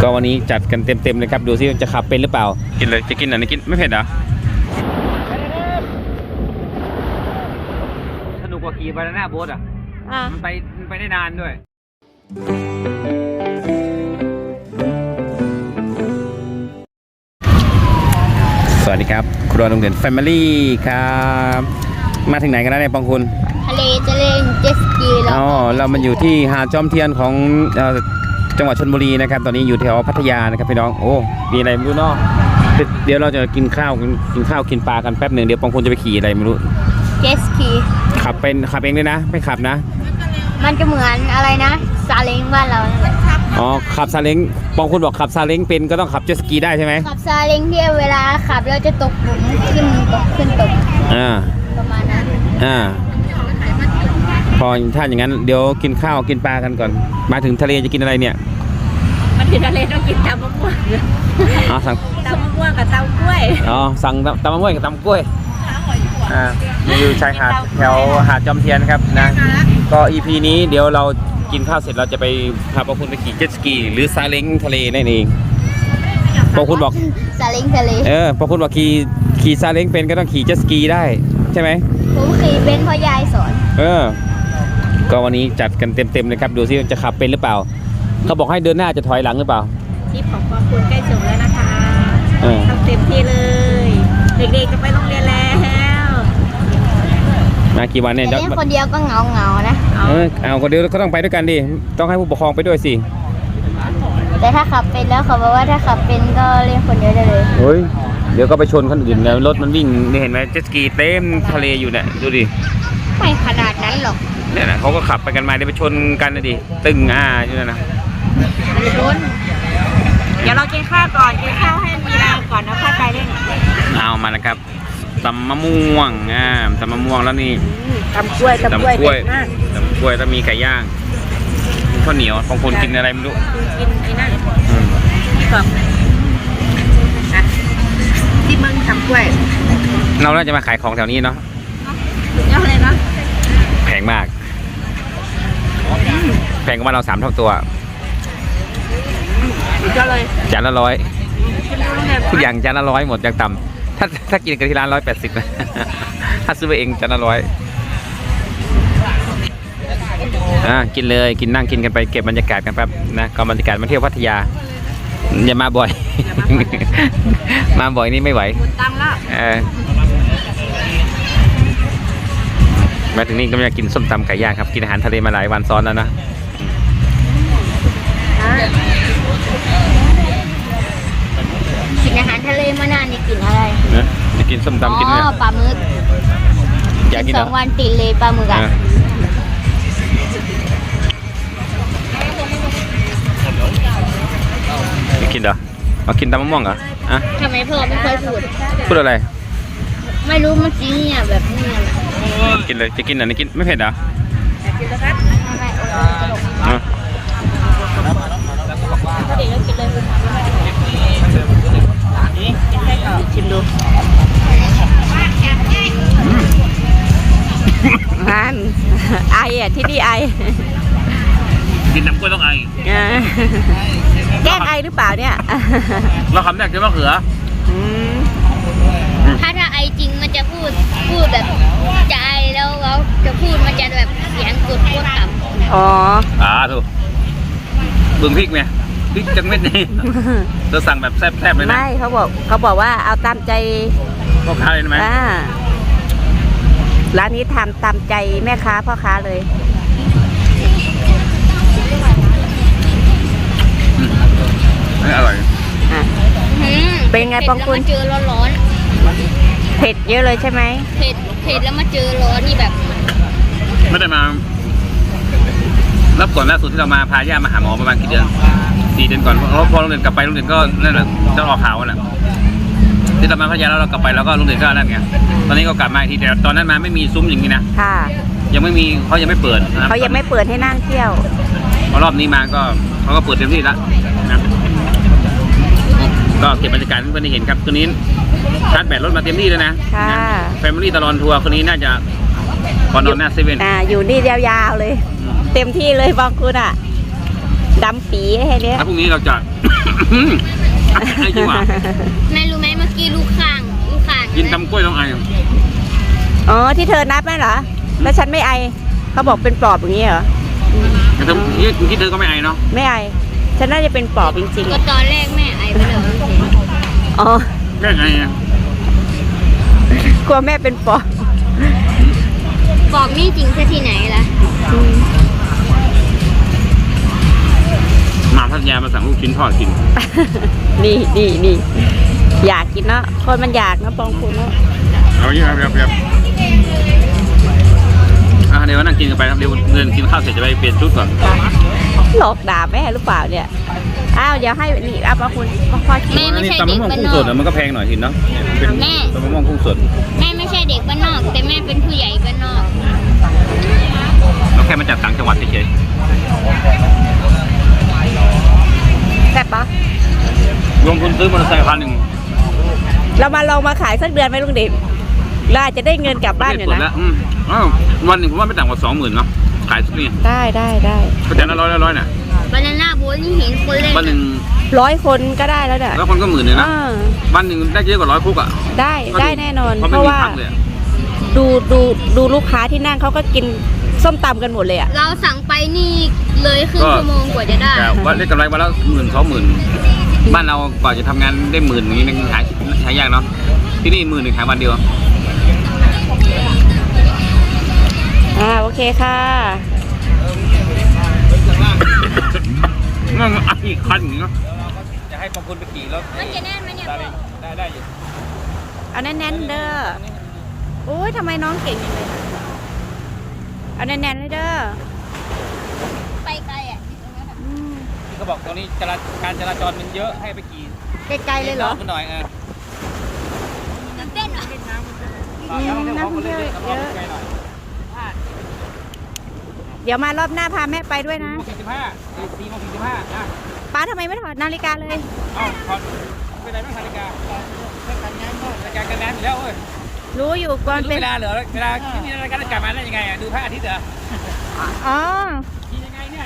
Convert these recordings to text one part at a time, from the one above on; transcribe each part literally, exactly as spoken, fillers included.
ก็วันนี้จัดกันเต็มๆเลยครับดูซิจะขับเป็นหรือเปล่ากินเลยจะกินอะไรกินไม่เผ็ดเหรอสนุกกว่าขี่บานาน่าโบ๊ทอ่ะมันไปมันไปได้นานด้วยสวัสดีครับครัวโรงเรียนแฟมิลี่ครับมาถึงไหนกันแล้วเนี่ยปองคุณทะเลจะเล่นเจ็ตสกีแล้วอ๋อเรามันอยู่ที่หาดจอมเทียนของจังหวัดชลบุรีนะครับตอนนี้อยู่แถวพัทยานะครับพี่น้องโอ้มีอะไรไม่รู้เนาะเดี๋ยวเราจะกินข้าวกินข้าวกินปลากันแป๊บหนึ่งเดี๋ยวปองคุณจะไปขี่อะไรไม่รู้เจ็ตสกีขับเป็นขับเองด้วยนะไม่ขับนะมันจะเหมือนอะไรนะซาเล้งบ้านเราเนี่ยอ๋อขับซาเล้งปองคุณบอกขับซาเล้งเป็นก็ต้องขับเจ็ตสกีได้ใช่ไหมขับซาเล้งที่เวลาขับเราจะตกหลุมขึ้นตกขึ้นตกอ่าประมาณนั้นอ่าพอถ้าอย่างนั้นเดี๋ยวกินข้าวกินปลากันก่อนมาถึงทะเลจะกินอะไรเนี่ยมาถึงทะเลต้องกินตำมะม่วงอ๋อสั่งตำมะม่วงกับตำกล้วยอ๋อสั่งตำมะม่วงกับตำกล้วยอ่าอยู่ชายหาดแถวหาดจอมเทียนครับนะก็ อี พี นี้เดี๋ยวเรากินข้าวเสร็จเราจะไปพาพวกคุณไปขี่เจ็ตสกีหรือซาเล้งทะเลนั่นเองพวกคุณบอกซาเล้งทะเลเออพวกคุณบอกขี่ขี่ซาเล้งเป็นก็ต้องขี่เจ็ตสกีได้ใช่ไหมผมขี่เป็นเพราะยายสอนเออก็วันนี้จัดกันเต็มๆเลยครับดูซิจะขับเป็นหรือเปล่าเขาบอกให้เดินหน้าจะถอยหลังหรือเปล่าทริปของปองคุณใกล้จบแล้วนะคะทำเต็มที่เลยเด็กๆจะไปโรงเรียนแล้วมากี่วันเนี่ยเล่นคนเดียวก็เหงาเงานะเออเอาคนเดียวก็ต้องไปด้วยกันดิต้องให้ผู้ปกครองไปด้วยสิแต่ถ้าขับเป็นแล้วเขาบอกว่าถ้าขับเป็นก็เล่นคนเดียวได้เลยเฮ้ยเดี๋ยวก็ไปชนคนอื่นแล้วรถมันวิ่งนี่เห็นไหมเจ็ตสกีเต็มทะเลอยู่เนี่ยดูดิไม่ขนาดนั้นหรอกเนี่ยนะเขาก็ขับไปกันมาเดี๋ยวไปชนกันนะดิตึงอ่าอยู่นั่นนะชนเดี๋ยวเรากินข้าวก่อนกินข้าวให้มีแรงก่อนแล้วค่อยไปเล่นเอามานะครับตำมะม่วงอ่าตำมะม่วงแล้วนี่ตำกล้วยตำกล้วยเด็ดมากตำกล้วยแล้วมีไก่ย่างข้าวเหนียวของคนกินอะไรไม่รู้กินไอ้นั่นนี่ก่อนที่มึงตำกล้วยเราน่าจะมาขายของแถวนี้เนาะเยอะเลยเนาะแพงมากแพงกว่าเราสามเท่าตัวก็เลยจานละร้อยทุกอย่างจานละร้อยหมดอย่างต่ำถ้าถ้ากินกันที่ร้านร้อยแปดสิบนะถ้าซื้อไปเองจานละร้อยอ่ะกินเลยกินนั่งกินกันไปเก็บบรรยากาศกันแป๊บนะก็บรรยากาศมาเที่ยวพัทยาอย่ามาบ่อยมาบ่อยนี่ไม่ไหวตังละเออมาถึงนี่ก็อยากกินส้มตำไก่ย่างครับกินอาหารทะเลมาหลายวันซ้อนแล้วนะกินอาหารทะเลมานานนี่กินอะไรนะจะกินส้มตำกินเนี่ยอ๋อปลาหมึกอยากกินสองวันติดเลยปลาหมึกอ่ะจะกินเหรอเอากินตำมะม่วงเหรออ่ะทำไมพ่อไม่ค่อยพูดพูดอะไรไม่รู้เมื่อกี้เนี่ยแบบนี้กินเลยจะกินอะไรกินไม่เผ็ดเหรอกินแล้วครับชิมดูนั่นไออ่ะที่นี่ไอกินน้ำกล้วยต้องไอแกล้งไอหรือเปล่าเนี่ยเราคำแรกจะมะเขือถ้าถ้าไอจริงมันจะพูดพูดแบบจะไอแล้วเขาจะพูดมันจะแบบเสียงกดโคตรต่ำอ๋ออ่าถูกบึงพริกไหมพริกจังเม็ดนี่เราสั่งแบบแซ่บๆเลยนะไม่เขาบอกเขาบอกว่าเอาตามใจพ่อค้าเลยไหมร้านนี้ทำตามใจแม่ค้าพ่อค้าเลยอร่อยเป็นไงปองคุณเจอร้อนๆเผ็ดเยอะเลยใช่ไหมเผ็ดเผ็ดแล้วมาเจอร้อนนี่แบบไม่ได้มารับก่อนล่าสุดที่เรามาพาย่ามาหาหมอประมาณกี่เดือนสี่เดือนก่อนเพราะพอโรงเรียนกลับไปโรงเรียนก็นั่นแหละจะออกข่าวนั่นแหละที่เรามาพัทยาแล้วเรากลับไปแล้วก็โรงเรียนก็นั่นไงตอนนี้ก็กลับมาทีแต่ตอนนั้นมาไม่มีซุ้มอย่างนี้นะค่ะยังไม่มีเขายังไม่เปิดเขายังไม่เปิดให้นั่งเที่ยวพอรอบนี้มาก็เขาก็เปิดเต็มที่แล้วนะก็เก็บบรรยากาศให้เพื่อนได้เห็นครับคืนนี้ชาร์จแบตรถมาเต็มที่เลยนะแฟมิลี่ตลอดทัวร์คนนี้น่าจะพอนอนหน้าเซเว่นอ่าอยู่นี่ยาวๆเลยเต็มที่เลยบางคุณอ่ะดำปีให้เนี้ยถ้าพรุ่งนี้เราจะไอ้จริงว่ะแม่รู้ไหมเมื่อกี้ลูกข้างลูกข้างกินตำกล้วยต้องไออ๋อที่เธอนับนั่นเหรอแล้วฉันไม่ไอเขาบอกเป็นปอบอย่างนี้เหรอแต่เธอที่ที่เธอก็ไม่ไอเนาะไม่ไอฉันน่าจะเป็นปอบจริงก็ตอนแรกแม่ไอไปเลยๆอ๋อแม่ไงอ่ะกลัวแม่เป็นปอบบอกนี่จริงซะที่ไหนล่ะมาพัทยามาสั่งลูกชิ้นทอดกินนี่นี่นี่อยากกินเนาะคนมันอยากนะปองคุณเนาะเอาอย่างนี้ครับครับอ่ะเดี๋ยวนั่งกินกันไปครับเดี๋ยวเดินกินข้าวเสร็จจะไปเปลี่ยนชุดก่อนหลอกด่าแม่หรือเปล่าเนี่ยอ้าวเดี๋ยวให้นี่เอาปองคุณพ่อชิมแม่ไม่ใช่ตำเด็มะกม่วงบ้านกุ้งนสอดกอะมันก็แพงหน่อยหินเนาะเป็นแม่ตำมะม่วงกุ้งสดแม่ไม่ใช่เด็กบ้านนอก แต่แม่เป็นผู้ใหญ่บ้านนอกเราแค่มาจากต่างจังหวัดเฉยแซ่บปะๆรวมทุนซื้อมอเตอร์ไซค์พันหนึ่งเรามาลองมาขายสักเดือนไหมลุงเด่นเราอาจจะได้เงินกลับบ้านอยู่เสร็จนะแล้วอืมอ้าววันหนึ่งผมว่าไม่ต่ำกว่าสองหมื่นเนาะขายสักนี่ได้ได้ได้ก็จะละร้อยละร้อยเนี่ยบานาน่าโบ๊ทนี่เห็นคนเล่นวันหนึ่งร้อยคนก็ได้แล้วเนี่ยแล้วคนก็หมื่นเลยนะอ่าวันหนึ่งได้เยอะกว่าร้อยคุกอ่ะได้ได้แน่นอนเพราะเพไม่ราะมีว่าพักเลยอะดูดูดูลูกค้าที่นั่งเขาก็กินส้มตำกันหมดเลยอ่ะเราสั่งไปนี่เลยครึ่งชั่วโมงกว่าจะได้แต่ว่าได้กำไรวันละหมื่นสองหมื่นบ้านเรากว่าจะทำงานได้หมื่นอย่างนี้มันขายขายยากเนาะที่นี่หมื่นหนึ่งขายวันเดียวอ่าโอเคค่ะนั่งอีกคันอย่างเงี้ยจะให้บางคนไปขี่แล้วมันจะแน่นไหมเนี่ยพ่อได้ได้อยู่เอาแน่นๆเด้อโอ้ยทำไมน้องเก่งจังเลยอะเอาแน่นๆเลยเด้อไปไกลอ่ะที่ตรงนั้นอะอืมที่เขาบอกตรงนี้จราการจราจรมันเยอะให้ไปขี่ไกลๆเลยเหรอขึ้นหน่อยเออตื่นเต้นเหรออืมน้ำเยอะเยอะไกลหน่อยเดี๋ยวมารอบหน้าพาแม่ไปด้วยนะสี่สิบห้าสี่โมงสี่สิบห้าอ่ะป้าทำไมไม่ถอดนาฬิกาเลยเอ้าถอดไปไหนไม่นาฬิกานาฬิกากันแดนอยู่แล้วเว้ยรู้อยู่ก่อนรู้เป็นเวลาเหรอเวลาที่นี่นาฬิกาจะกลับมาได้ยังไงอ่ะดูพระอาทิตย์เหรออ๋อขี่ยังไงเนี่ย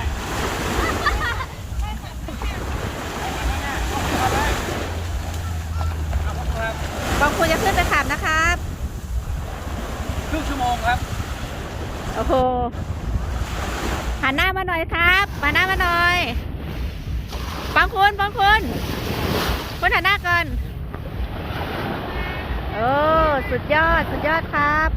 บางคนจะขึ้นไปขับนะครับครึ่งชั่วโมงครับโอ้โหหันหน้ามาหน่อยครับหันหน้ามาหน่อยบางคนบางคนคุณหันหน้าก่อนโอ้สุดยอดสุดยอดครับ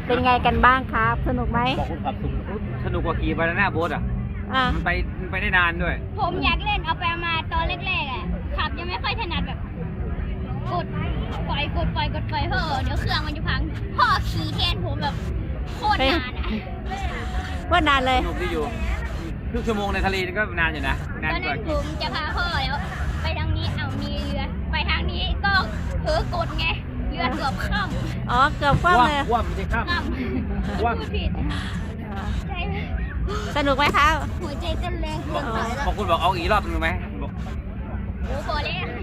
เป็นไงกันบ้างครับ สนุกไหมบอกคุณขับสนุกสนุกกว่าขี่บานาน่าโบ๊ทอ่ะอ่ะมันไปมันไปได้นานด้วยผมอยากเล่นเอาไปมาตอนแรกๆอ่ะขับยังไม่ค่อยถนัดแบบกดปล่อยกดปล่อยกดปล่อยเพ้อเดี๋ยวเครื่องมันจะพังพ่อขี่แทนผมแบบโคตรนานอ่ะว่านานเลยสนุกที่อยู่ครึ่งชั่วโมงในทะเลนี่ก็นานอยู่นะตนานอนกนั้ว่านผขี่มจะพาพ่อแล้ว ไปทางนี้เอามีเรือ ไปทางนี้ก็เผลอกดไงเรือเกือบข้ามอ๋อ เกือบคว่ำเลยว่ามันจะข้ามข้ามว่าพูดผิดใจสนุกไหมครับหัวใจเต้นแรงเกินไปแล้วบางคนบอกเอาอีกรอบหนึงไหมบอกโอ้โหเลยอะ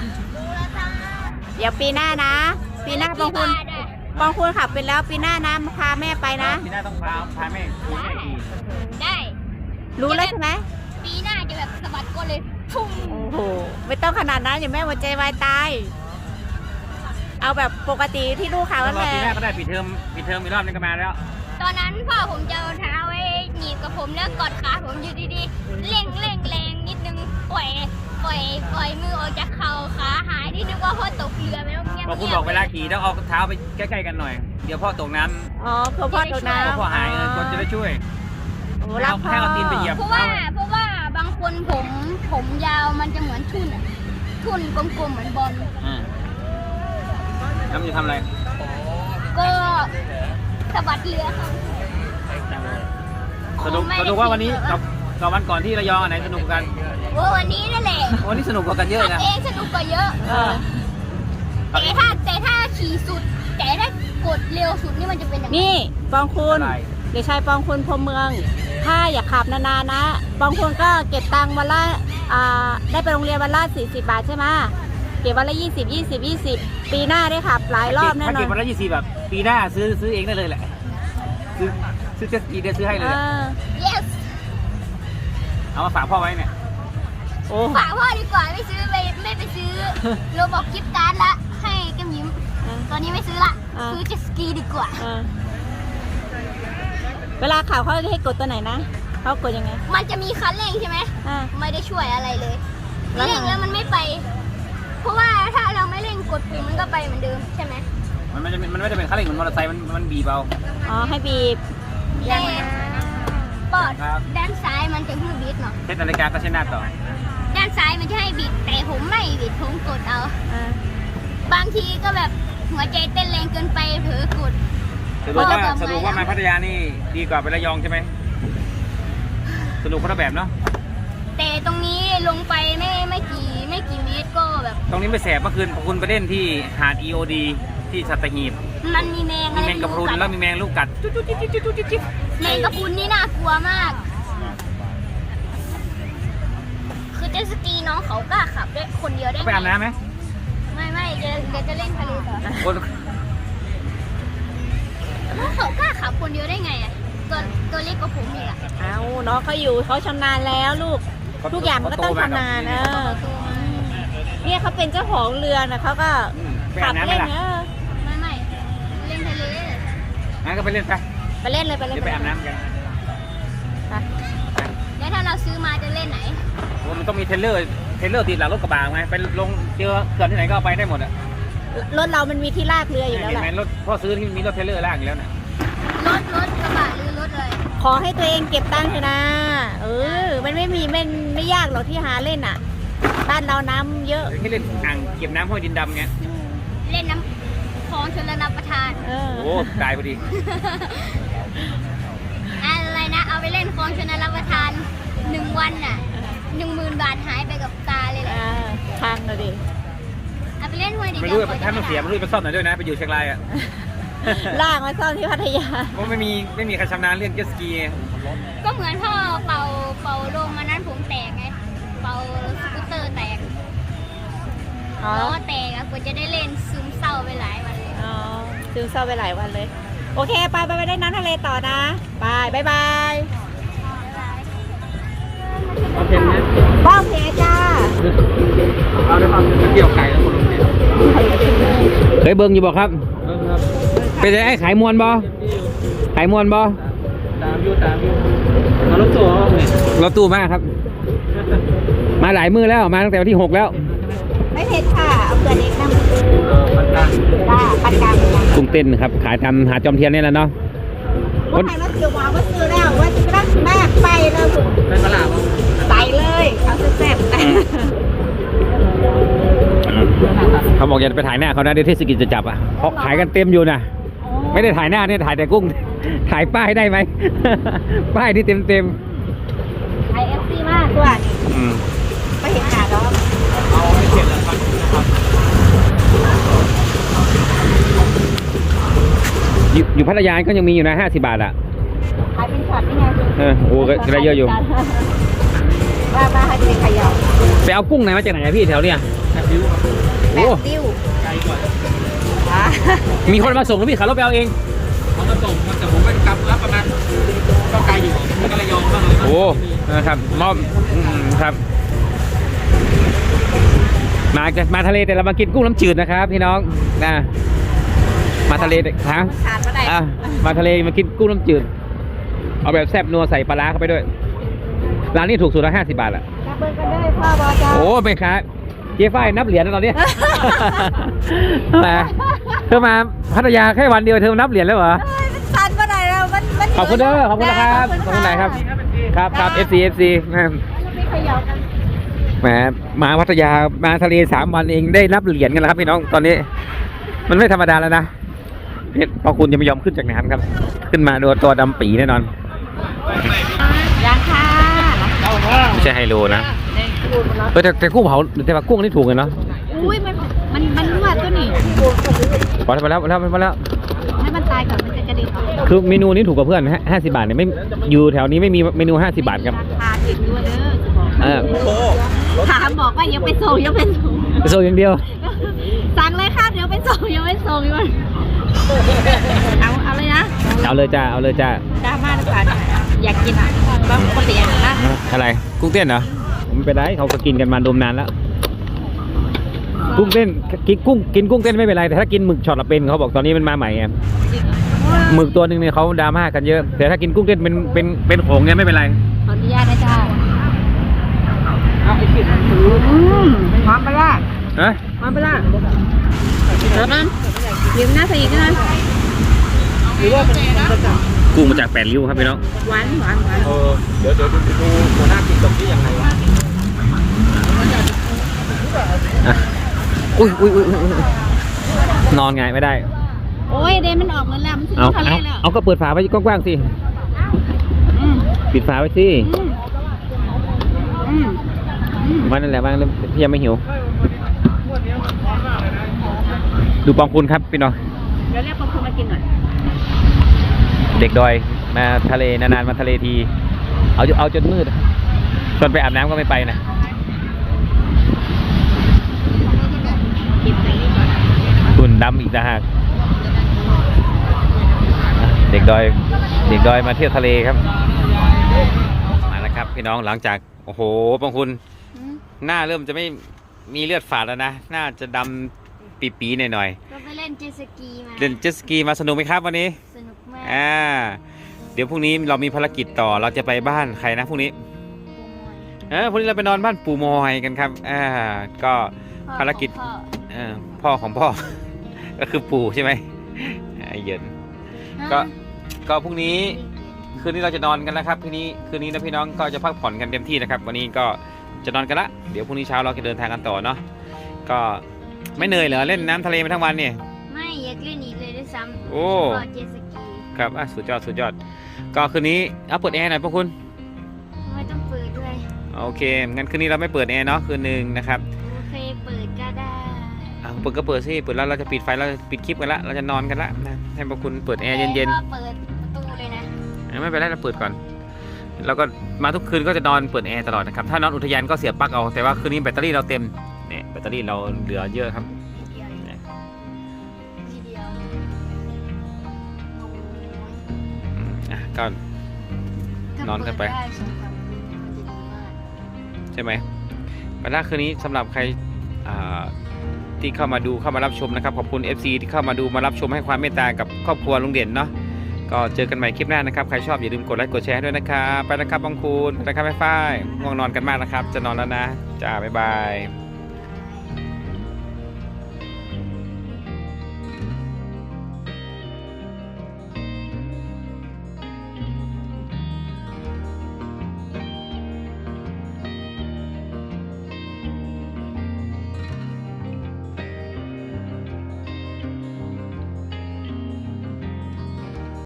เดี๋ยวปีหน้านะ ปีหน้าปองคุณกี่บาทอะปองคุณขับไปแล้วปีหน้านะพาแม่ไปนะทีหน้าต้องพาพาแม่ขี่แม่ขี่ได้รู้แล้วใช่ไหมปีหน้าจะแบบสะบัดก้นเลยพุ่งโอ้โห ไม่ต้องขนาดนั้นอย่าแม่หัวใจวายตาย เอาแบบปกติที่ลูกเขาต้แล้องวรอแหละปีหน้าก็ได้ปิดเทอมปิดเทอมอีกรอบนึงก็มาแล้วตอนนั้นพ่อผมจะเอาเท้าไว้หนีบกับผมแล้วกอดขาผมอยู่ดีๆเร่งเร่งแรงนิดนึงปล่อยปล่อยปล่อยมือออกจากเข่าขาหายที่นึกว่าพ่อตกเรือไปแล้วเงียบบอกคุณเงียบอกเวลาขี่ต้องเอาเท้าไปใกล้ๆกันหน่อย เดี๋ยวพ่อตกน้อ๋อเพื่อพ่อตกำน้ำเดี๋ยวพ่อหายเออคนจะได้ช่วยโอ้รักพ่อให้เอาตีนไปเหยียบเพราะว่าเพราะว่าบางคนผมผมยาวมันจะเหมือนทุ่นอะทุ่นกลมๆเหมือนบอลอืมแล้วมันจะทำอะไรก็สะบัดเรือครับสนุกสนุกว่าวันนี้กับกับวันก่อนที่ระยองอันไหนสนุกกันโอ้วันนี้นั่นแหละวันนี้สนุกกว่ากันเยอะขับนะเองสนุกกว่าเยอะเออแต่ถ้าแต่ถ้าขี่สุด แต่ถ้ากดเร็วสุดนี่มันจะเป็นยังไงนี่ปองคุณอะไรเด็กชายปองคุณพรหมเมือง ถ้าอยากขับนานๆนะ ปองคุณก็เก็บตังค์วันละอ่าได้ไปโรงเรียนวันละสี่สิบบาทใช่ไหมเก็บวันละยี่สิบยี่สิบยี่สิบปีหน้าได้ขับหลายรอบแน่นถ้าอเก็บนวันละยี่สิบแบบปีหน้าซื้อซื้อเองได้เลยแหละซื้อซื้อเจ็ตสกีเดี๋ยวซื้อให้เลเอยแหละอ yes เอามาฝากพ่อไว้เนี่ยโอ้ฝากพ่อดีกว่าไม่ซื้อไปไม่ไปซื้อ โรบอกกิฟต์การ์ดละให้แก้มยิ้ม ตอนนี้ไม่ซื้อละ ซื้อเจ็ตสกีดีกว่าเออเวลาขับเขาจะให้กดตัวไหนนะเขากดยังไงมันจะมีคันเร่งใช่ไหมอ่าไม่ได้ช่วยอะไรเลยแล้วทำไงเร่งแล้วมันไม่ไป เพราะว่าถ้าเราไม่เร่งกดปุ่มมันก็ไปเหมือนเดิมใช่ไหมมันไม่จะมันไม่ได้เป็นคันเร่งเหมือนมอเตอร์ไซค์มันมันบีบเอาอ๋อให้บีบแต่ปอดครับด้านซ้ายมันจะให้บิดเนาะเทสนาฬิกาก็ใช้หน้าต่อด้านซ้ายมันจะให้บิด แต่ผมไม่บิดผมกดเอาอ่าบางทีก็แบบหัวใจเต้นแรงเกินไปเผลอกดสรุปว่าพ่อสรุปว่ามาพัทยานี่ดีกว่าไประยองใช่ไหมสนุกคนละแบบเนาะแต่ตรงนี้ลงไปไม่ไม่กี่ไม่กี่เมตรก็แบบตรงนี้ไม่แสบเมื่อคืนคุณไปเล่นที่หาด อี โอ ดี ที่สัตหีบมันมีแมงมีอะไรแมงกะพรุนกัดแล้วมีแมงลูกกัดจุ๊บจุ๊บจิ๊บจิ๊บจิ๊บจิ๊บจิ๊บแมงกะพรุนนี่น่ากลัวมาก คือเจ็ตสกีน้องเขากล้าขับได้คนเดียวได้เขาไปอาบน้ำไหมไม่ไม่เดี๋ยวเดี๋ยวจะเล่นทะเลต่อคนน้องเขากล้าขับคนเดียวได้ไงอ่ะตัวตัวเล็กกว่าผมอีกอ่ะเอาน้องเขาอยู่เขาชำนาญแล้วลูก ทุกอย่างมันก็ต้องชำนาญเออตัวมันเนี่ยเขาเป็นเจ้าของเรือนะเขาก็อืมไปขัอาบบน้ำไหมเล่นล่ะเออไม่ไม่เล่นทะเลงั้นก็ไปเล่นไปไปเล่นเลยไปเล่นเดี๋ยวไปอาบน้ำกันไปแล้วถ้าเราซื้อมาจะเล่นไหนโอ้มันต้องมีเทรลเลอร์เทรลเลอร์ติดหลังรถกระบะไงไปลงเจอเขื่อนที่ไหนก็เอาไปได้หมดอ่ะรถเรามันมีที่ลากเรืออยู่แล้วเห็นแหไหมละรถพ่อซื้อที่มีรถเทรลเลอร์ลากอยู่แล้วน่ะรถรถกระบะหรือรถอะไรขอให้ตัวเองเก็บตังค์เถอะนะ เออ มันไม่มีมันไม่ยากหรอกที่หาเล่นอ่ะ บ้านเราน้ำเยอะที่เล่นอ่างเก็บน้ำห้วยดินดำเงี้ยเล่นน้ำคลองชลรับประทานเออโอ้ตายพอดีอะไรนะ เอาไปเล่นคลองชลรับประทานหนึ่งวันน่ะหนึ่งหมื่นบาทหายไปกับตาเลยแหละอ่าทางเลยดิเอาไปเล่นห้วยดิไม่รู้ถ้ามันเสียไม่รู้ไปซ่อมไหนด้วยนะไปอยู่เชียงรายอ่ะลากมาซ่อมที่พัทยาเพราะไม่มีไม่มีใครชำนาญเรื่องเจ็ตสกีไงก็เหมือนพ่อเป่าเป่าลงมานั้นผมแตกไง เป่าสกูตเตอร์แตกอ๋อล้อแตกอะกว่าจะได้เล่นซึมเศร้าไปหลายวันเลยอ๋อซึมเศร้าไปหลายวันเลย โอเค ไปไปไปได้น้ำทะเลต่อนะบายบายบายเอาเพ็นเนี่ยบ้องเพจ้าเอาได้ความเกี่ยวไก่แล้วคนลงเนี่ยเคยเบิ่งอยู่บ่ครับเป็นไอ้ขายมวนบ่ขายมวนบ่ตามอยู่ตามอยู่มารถตัวเนี่ยรถตู้มากครับ มาหลายมือแล้วมาตั้งแต่วันที่หกแล้วไม่เผ็ดค่ะ เอาเกลือเล็กน้เออมันตามจ้าปันกลางกุ้งเต้นครับขายตามหาดจอมเทียนนี่แหละเนาะว่าใครมาเสียวหวานว่าซื้อแล้วว่าจะรักแม่ไปเลยเป็นตลาดมั้งไปเลยเขาแซ่บเขาบอกอย่าไปถ่ายหน้าเขานะเดี๋ยวเทศกิจจะจับอ่ะเพราะขายกันเต็มอยู่นะไม่ได้ถ่ายหน้าเนี่ยถ่ายแต่กุ้ง ถ่ายป้ายได้ไหม ป้ายที่เต็มเต็มไอเอฟซีมากตัวๆอืมไปเห็นหาดอกเอาไม่เขียนแล้วครับนะครับอยู่อยู่พัทยาก็ยังมีอยู่นะห้าสิบบาทอ่ะขายเป็นช็อตนี่ไงเออโอ้ก็ได้เยอะอยู่ว่ามาให้เป็นขยะไปเอากุ้งไหนมาจากไหนอะพี่แถวเนี้ยแอบดิ้วครับโอ้ดิ้วไกลกว่ามีคนมาส่งแล้วพี่ขับรถไปเอาเองเขาก็ส่งครับแต่ผมไปกลับรับประมาณก็ไกลอยู่มันก็ระยองบ้างเลยโอ้นะครับมอบอืมครับ มามาทะเลแต่เรามากินกุ้งน้ำจืดนะครับพี่น้องนะมาทะเลฮะขาดมาได้อ่ะมาทะเลมากินกุ้งน้ำจืดเอาแบบแซ่บนัวใส่ปลาร้าเข้าไปด้วยร้านนี้ถูกสุดละห้าสิบบาทอ่ะกระเบื้องกันเลยพ่อบอจ้าโอ้ไม่ค้าเจ๊ฝ้ายนับเหรียญแล้วตอนนี้ มาเธอมาพัทยาแค่วันเดียวเธอนับเหรียญแล้วเหรอสันมาไหนเรามันมันขอบคุณเด้อขอบคุณนะครับขอบคุณไหนครับครับครับ เอฟ ซี เอฟ ซีไม่ขยะกันแหมมาพัทยามาทะเลสามวันเองได้นับเหรียญกันแล้วครับพี่น้องตอนนี้ มันไม่ธรรมดาแล้วนะเพชรพอคุณจะไม่ยอมขึ้นจากน้ำครับ ขึ้นมาโดนตัวดำปีแน่นอนยังค่ะไม่ใช่ไฮโลนะเออแต่แต่กุ้งเผาแต่ว่ากุ้งนี่ถูกเลยเนาะอุ้ยมันมันมันรั่วตัวนี้พอแล้วพอแล้วพอแล้วพอแล้วให้มันตายก่อนมันจะกระดิ่งออกคือเมนูนี้ถูกกว่าเพื่อนห้าสิบบาทเนี่ยไม่อยู่แถวนี้ไม่มีเมนูห้าสิบบาทครับราคาถึงด้วยเด้อจะบอกเออถามบอกว่ายังไปส่งยังไปส่งโซอย่างเดียวสั่งเลยค่ะเดี๋ยวไปส่งยังไม่ส่งอยู่มันเอาเอาเลยนะเอาเลยจ้าเอาเลยจ้าดราม่าดีกว่าอยากกินอ่ะก็ปกติอย่างนั้นนะอะไรกุ้งเต้นเหรอไม่เป็นไรเขาก็กินกันมาดมนานแล้ว กุ้งเต้นกินกุ้งกินกุ้งเต้นไม่เป็นไรแต่ถ้ากินหมึกช็อตละเป็นเขาบอกตอนนี้มันมาใหม่ไงหมึกตัวหนึ่งเนี่ยเขาดราม่ากันเยอะแต่ถ้ากินกุ้งเต้นเป็นเป็นเป็นโขงเนี่ยไม่เป็นไรขออนุญาตนะจ๊ะเอาไอ้ขีดมันถืออืมหอมปลาร้าฮะหอมปลาร้าเดี๋ยวนั้นยืมหน้าใส่อีกนะหรือว่ามันมันจะจับกุ้งมาจากแปดริ้วครับพี่น้องหวานหวานหวานเออเดี๋ยวเดี๋ยวดูดูหัวหน้ากินตรงนี้ยังไงวะอ่ะอุ้ยอุ้ยอุ้ยอุ๊ยอุ๊ยนอนไงไม่ได้โอ้ยเดนมันออกเงินแล้วมันถึงเอาทะเลเอาแล้วเอาก็เปิดฝาไว้กว้างๆสิอืมปิดฝาไว้สิอืมอืมอืมวันนั่นแหละบ้างแล้วพี่ยังไม่หิว ดูปองคุณครับพี่น้องเดี๋ยวเรียกคนคุณมากินหน่อยเด็กดอยมาทะเลนานๆมาทะเลที เอาเอาจนมืดชวนไปอาบน้ำก็ไม่ไปนะกินไปนี่ก่อนตุ่นดำอีกต่างหากเด็กดอย เด็กดอยมาเที่ยวทะเลครับ มาแล้วครับพี่น้องหลังจากโอ้โหปองคุณอืมหน้าเริ่มจะไม่มีเลือดฝาดแล้วนะหน้าจะดำปีๆหน่อยเราไปเล่นเจ็ตสกีมาๆเล่นเจ็ตสกีมาสนุกไหมครับวันนี้สนุกมากอ่าเดี๋ยวพรุ่งนี้เรามีภารกิจต่อเราจะไปบ้านใครนะพรุ่งนี้เออพรุ่งนี้เราไปนอนบ้านปู่มอยกันครับอ่าก็ภารกิจพ่อเออพ่อของพ่อ ก็คือปู่ใช่ไหมไอ้เหยิน ก็ ก็พรุ่งนี้คืนนี้เราจะนอนกันแล้วครับคืนนี้คืนนี้นะพี่น้องก็จะพักผ่อนกันเต็มที่นะครับวันนี้ก็จะนอนกันละเดี๋ยวพรุ่งนี้เช้าเราจะเดินทางกันต่อเนาะก็ไม่เหนื่อยเหรอเล่นน้ำทะเลมาทั้งวันเนี่ยไม่อยากเล่นอีกเลยด้วยซ้ำโอ้ก็เจ็ตสกีครับอ่ะสุดยอดสุดยอดก็คืนนี้เอาเปิดแอร์หน่อยพวกคุณไม่ต้องเปิดด้วยโอเคงั้นคืนนี้เราไม่เปิดแอร์เนาะคืนหนึ่งนะครับโอเคเปิดก็ได้อ่ะเปิดก็เปิดสิเปิดแล้วเราจะปิดไฟเราจะปิดคลิปกันละเราจะนอนกันละนะให้พวกคุณเปิดแอร์เย็นก็เปิดประตูเลยนะๆไม่เป็นไรเราเปิดก่อนแล้วก็มาทุกคืนก็จะนอนเปิดแอร์ตลอดนะครับถ้านอนอุทยานก็เสียบปลั๊กเอาแต่ว่าคืนนี้แบตเตอรี่เราเต็มเนี่ยแบตเตอรี่เราเหลือเยอะครับทีเดียวเนี่ยทีเดียวอืมอ่ะก็ นอนกันไปถ้าเดได้สองสามคืนมันจะดีมากใช่ไหมวันแรกคืนนี้สำหรับใครอ่าที่เข้ามาดูเข้ามารับชมนะครับขอบคุณ เอฟ ซี ที่เข้ามาดูมารับชมให้ความเมตตากับครอบครัวลุงเด่นเนาะก็เจอกันใหม่คลิปหน้านะครับใครชอบอย่าลืมกดไลค์กดแชร์ด้วยนะครับไปนะครับบางคูณไปนะครับแม่ฝ้ายง่วงนอนกันมากนะครับจะนอนแล้วนะจ้าบ๊ายบาย